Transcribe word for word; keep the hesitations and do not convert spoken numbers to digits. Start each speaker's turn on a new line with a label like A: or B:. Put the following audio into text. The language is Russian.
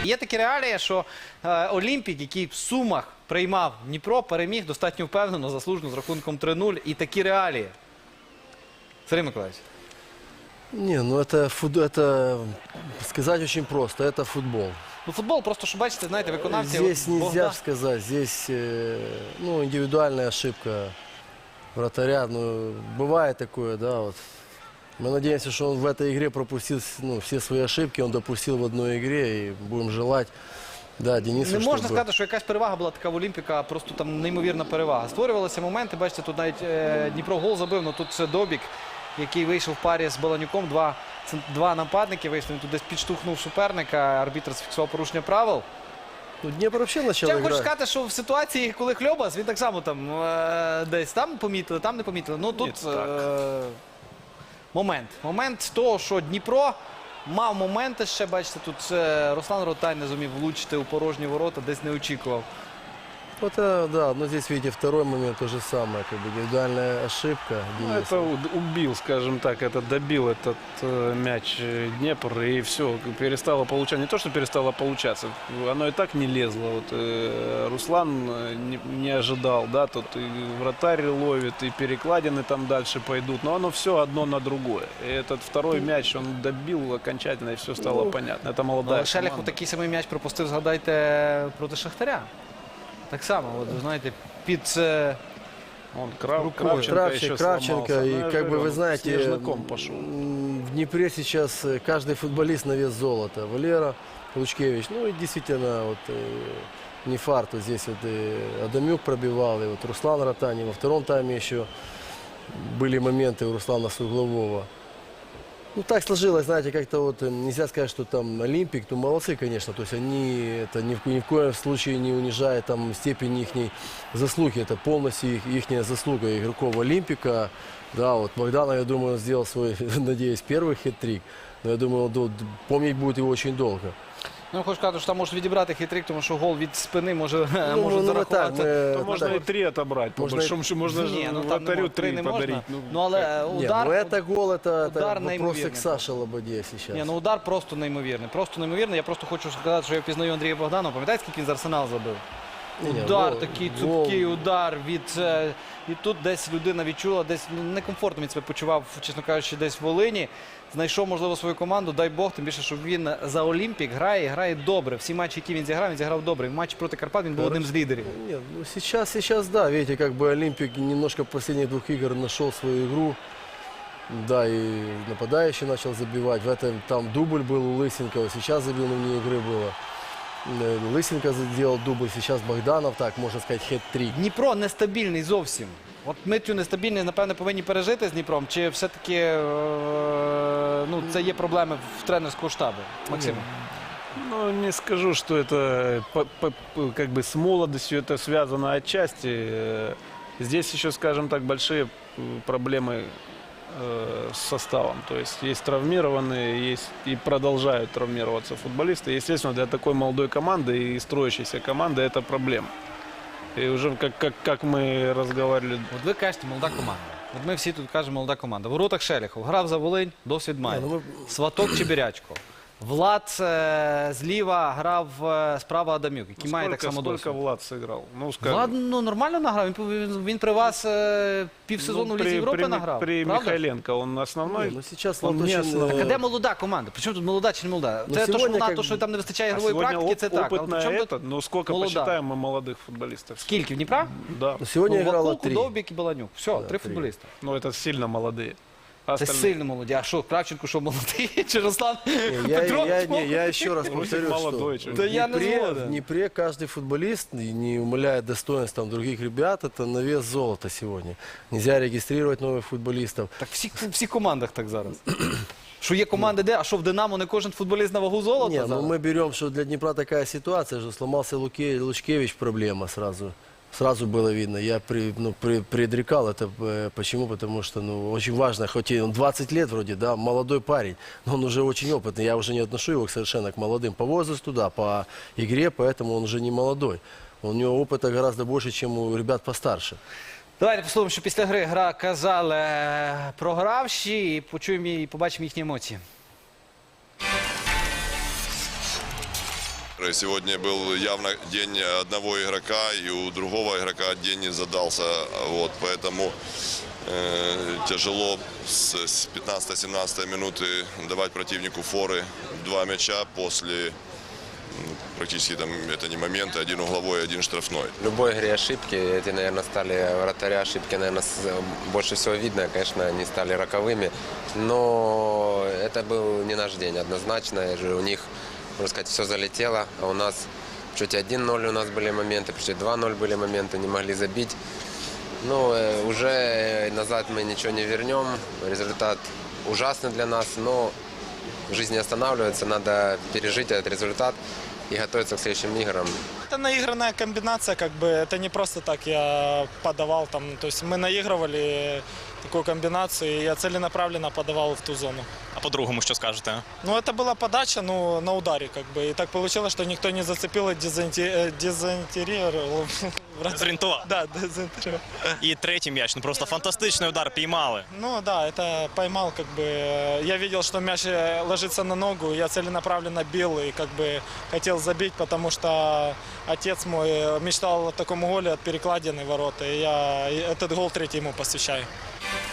A: Є такі реалії, що е, Олімпік, який в Сумах приймав Дніпро, переміг достатньо впевнено, заслужено з рахунком три нуль. І такі реалії. Сергій Миколаївич.
B: Не, ну это, фут... это сказать очень просто, это футбол.
A: Ну, футбол, просто, що бачите, знаєте, виконавці...
B: Здесь нельзя
A: Богдан...
B: сказать, здесь э, ну, индивидуальная ошибка вратаря. Ну, бывает такое, да, вот. Мы надеемся, что он в этой игре пропустил ну, все свои ошибки, он допустил в одной игре, и будем желать, да, Денису,
A: Не можна
B: чтобы...
A: сказати, що якась перевага була така в Олімпіка, просто там неймовірна перевага. Створювалися моменти, бачите, тут навіть е, Дніпро гол забив, але тут це Добік, який вийшов в парі з Баланюком. Два, два нападники вийшли, він тут десь підштовхнув суперника, арбітр зафіксував порушення правил.
B: Ну, Днепр вообще начал
A: Я хочу
B: играть.
A: сказати, що в ситуації, коли Хльобас, він так само там е, десь там помітили, там не помітили. Ну тут е, момент. Момент того, що Дніпро мав моменти ще, бачите, тут е, Руслан Ротай не зумів влучити у порожні ворота, десь не очікував.
B: Вот, э, да, но здесь, видите, второй момент то же самое, как бы индивидуальная ошибка
C: Ну,
B: Дениса.
C: это у- убил, скажем так, это добил этот э, мяч э, Днепр, и все, перестало получаться. Не то, что перестало получаться, оно и так не лезло. Вот, э, Руслан э, не, не ожидал, да, тут и вратарь ловит, и перекладины там дальше пойдут, но оно все одно на другое. И этот второй мяч он добил окончательно, и все стало
B: Ну,
C: понятно. Это молодая
A: Але Шелехов
C: команда.
A: такий самий м'яч пропустив, згадайте, проти Шахтаря. Так само, от, ви знаєте, під... е,
C: Он Крав,
A: рукой.
C: Кравченко,
B: Кравченко,
C: еще
B: Кравченко,
C: сломался.
B: и
C: Ну, я
B: как бы
C: говорю,
B: вы
C: он
B: знаете,
C: снежником пошел.
B: м, в Днепре сейчас э, каждый футболист на вес золота. Валера Лучкевич, ну и действительно, вот э, не фарт, вот здесь вот и Адамюк пробивал, и вот Руслан Ротани. Во втором тайме еще были моменты у Руслана Суглового. Ну так сложилось, знаете, как-то вот э, нельзя сказать, что там Олимпик, ну молодцы, конечно, то есть они это ни в, ни в коем случае не унижает там степень их заслуги, это полностью их, ихняя заслуга игроков Олимпика. Да, вот Богданов, я думаю, он сделал свой, надеюсь, первый хет-трик, но я думаю, он дол- помнить будет его очень долго.
A: Ну, хочу сказати, що там можуть відібрати хитрик, тому що гол від спини може,
B: Ну,
A: може
B: ну, мы так,
A: зарахувати.
B: мы-
C: То
B: мы
C: можно
B: так.
C: и три отобрать, по
B: Можно и-
C: большому счету, можно
A: Ні,
C: же
A: ну там
C: вратарю
A: ну, три
C: три
A: не
C: подарить.
A: можна.
C: Ну,
A: Ну, але
B: Не,
A: удар...
B: ну это гол, это, это
A: удар
B: вопросик
A: неймовірний
B: Саши Лободе сейчас.
A: Ні, ну удар просто неймовірний. Просто неймовірний. Я просто хочу сказати, що я впізнаю Андрія Богданова. Пам'ятаєте, скільки він з Арсенал забив?
B: Ні, ні,
A: Удар,
B: гол-
A: такий
B: гол-
A: цупкий удар від... е, І тут десь людина відчула, десь некомфортно він себе почував, чесно кажучи, десь в Волині. Знайшов, можливо, свою команду, дай Бог, тим більше, що він за Олімпік грає і грає добре. Всі матчі, які він зіграв, він зіграв добре. В матчі проти Карпат він був одним з лідерів.
B: Нет, ну сейчас, сейчас, да, видите, как бы Олимпик немножко в последних двух игр нашел свою игру. Да, и нападающий начал забивать. В этом там дубль был у Лысенкова, сейчас забил, но вне игры было. Э, Лысенко сделал дубль, сейчас Богданов, так, можно сказать, хет-трик.
A: Дніпро нестабільний зовсім. От ми цю нестабільність, напевне, повинні пережити з Дніпром. Чи все-таки е, ну, це є проблеми в тренерського штабу? Максим?
C: Ну, не скажу, что это по- по- по- как бы с молодостью это связано отчасти. Э, Здесь еще, скажем так, большие э, проблемы э, с составом. То есть есть травмированные, есть и продолжают травмироваться футболисты. Естественно, для такой молодой команды и строящейся команды это проблема. И уже как, как, как мы разговаривали,
A: От ви кажете, молода команда. От ми всі тут кажемо, молода команда. В воротах Шелехов. Грав за Волинь, досвід має.
B: Ні, ну
A: Сваток Чебірячко. Влад е, зліва грав е, справа Адамюк, який має так
C: сколько,
A: само
C: сколько
A: досвід.
C: Влад сыграл. Ну, скажем,
A: Влад ну, нормально награв. Він, він, він при вас е, півсезону
C: ну,
A: в Лізі Європи
C: при,
A: награв.
C: при
A: правда?
C: Михайленко он основной.
B: Не, ну сейчас
C: Он
B: Влад
C: не
B: очень,
C: основной.
B: э,
A: Так а де молода команда? Причому тут молода чи не молода?
B: Ну,
A: Це то, що
B: сьогодні,
A: вона,
B: як-
A: то, що там не вистачає
C: А
A: ігрової
C: сегодня
A: практики,
C: оп-
A: це так. Але
C: опытная
A: при чому
C: этот,
A: тут
C: ну сколько
A: молода?
C: посчитаем мы молодых футболистов?
A: Скільки? В Дніпра?
C: Да.
B: ну, сегодня
A: Ну,
B: играло
A: Вакулку,
B: три.
A: Довбік і Баланюк. Все,
B: Да,
A: три
B: три.
A: футболіста.
C: Ну это сильно молодые. А
A: Це
C: остальные-
A: сильно молоді. А що, Кравченко, що молодий? Чи Руслан
B: Не, я,
A: Петрович
B: я, не,
A: молодий?
B: я еще раз
C: Русик
B: повторю,
C: молодой,
B: что
C: чё.
B: в
A: Да я не
B: Днепре,
A: згоден.
B: в Днепре каждый футболист, и не умаляет достоинств там, других ребят, это на вес золота сегодня. Нельзя регистрировать новых футболистов.
A: Так всі, в всіх командах так зараз. Що є команди де, а що в Динамо не кожен футболіст на вагу золота
B: Не, ну
A: зараз?
B: мы берем, что для Днепра такая ситуация, что сломался Луке, Лучкевич, проблема сразу. Сразу было видно. Я при, ну, при, предрекал это. э, Почему? Потому что ну, очень важно, хоть и он двадцать лет вроде, да, молодой парень, но он уже очень опытный. Я уже не отношу его совершенно к молодым по возрасту, да, по игре, поэтому он уже не молодой. У него опыта гораздо больше, чем у ребят постарше.
A: Давайте послухаємо, що після гри гра казали е, програвші, і почуємо і побачимо їхні емоції.
D: Сегодня был явно день одного игрока, и у другого игрока день не задался. Вот, поэтому э, тяжело с пятнадцатой-семнадцатой минуты давать противнику форы. Два мяча после, ну, практически там это не моменты, один угловой, один штрафной.
E: В любой игре ошибки, эти, наверное, стали вратаря ошибки, наверное, больше всего видно, конечно, они стали роковыми. Но это был не наш день, однозначно. У них, можно сказать, все залетело, а у нас в счете один ноль у нас были моменты, в счете два ноль были моменты, не могли забить. Ну, уже назад мы ничего не вернем, результат ужасный для нас, но жизнь не останавливается, надо пережить этот результат и готовиться к следующим играм.
F: Это наигранная комбинация, как бы, это не просто так я подавал там, то есть мы наигрывали такую комбинацию, и я целенаправленно подавал в ту зону.
G: А по-другому що скажете?
F: Ну, это была подача, ну, на ударе, как бы, и так получилось, что никто не зацепил и дезинте- дезинтерировал.
G: Зорієнтував.
F: Да, дезинтерировал.
G: І третій м'яч, ну просто фантастичний удар, піймали.
F: Ну да, это поймал, как бы, я видел, что мяч ложится на ногу, я целенаправленно бил и как бы хотел забить, потому что отец мой мечтал о таком голе от перекладины ворота, и я этот гол третий ему посвящаю.